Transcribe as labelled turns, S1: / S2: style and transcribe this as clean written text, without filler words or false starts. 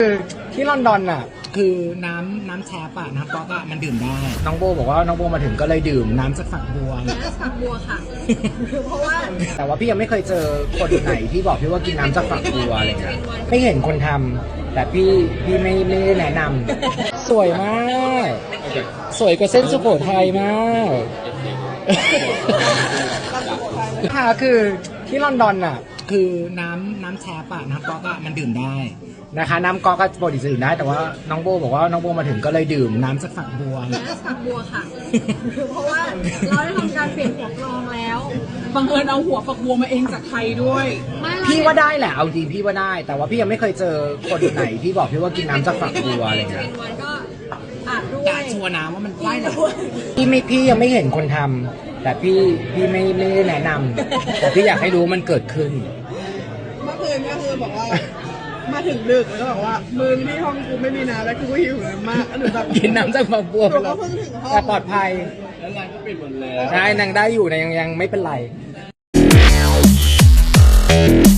S1: คือที่ลอนดอนอ่ะคือน้ำแชปอะน้ำก๊อกอะมันดื่มได้น้องโบบอกว่าน้องโบมาถึงก็เลยดื่มน้ำจากฝักบัว
S2: น้ำฝักบัวค่ะเพราะว่า
S1: แต่ว่าพี่ยังไม่เคยเจอคนไหนที่บอกพี่ว่ากินน้ำจากฝักบัวอะไรเงี้ยไม่เห็นคนทำแต่พี่ไม่ได้แนะนำสวยมากสวยกว่าเส้นสุโขทัยมากค่ะคือที่ลอนดอนอ่ะคือน้ำแชปอะน้ำก๊อกอะมันดื่มได้นะคะน้ำก๊อกก็ปกติจะดื่มได้แต่ว่าน้องโบบอกว่าน้องโบมาถึงก็เลยดื่มน้ำจากฝักบัว
S2: น้ำฝักบัวค่ะเพราะว่าเราได้ทำการเปลี่ยนหัวกรองแล้ว
S3: บังเอิญเอาหัวฝักบัวมาเองจากไทยด้วย
S1: พี่ว่าได้แหละเอาจริงพี่ว่าได้แต่ว่าพี่ยังไม่เคยเจอคนไหนที่บอกพี่ว่ากินน้ำจากฝักบัวอะไรเงี้ย
S2: ก็อาจด้วย
S1: กะชัวร์น้ำว่ามันได้แหละพี่ยังไม่เห็นคนทำแต่พี่ไม่ได้แนะนำแต่พี่อยากให้รู้มันเกิดขึ้น
S3: เมื่อคืนก็คือบอกว่ามาถึงดึกแล้วก็บอกว่ามึงที่ห้องกูไม่มีน้ำแล้วกูหิวน้ำมากหนูแบบ
S1: กินน้ำจากฝักบัว
S3: ก็เพิ่งถึงห้อง
S1: แต่ปลอดภัย
S4: แล้วร้านก็ปิดหมดแล้ว
S1: ได้นางได้อยู่นางยังไม่เป็นไร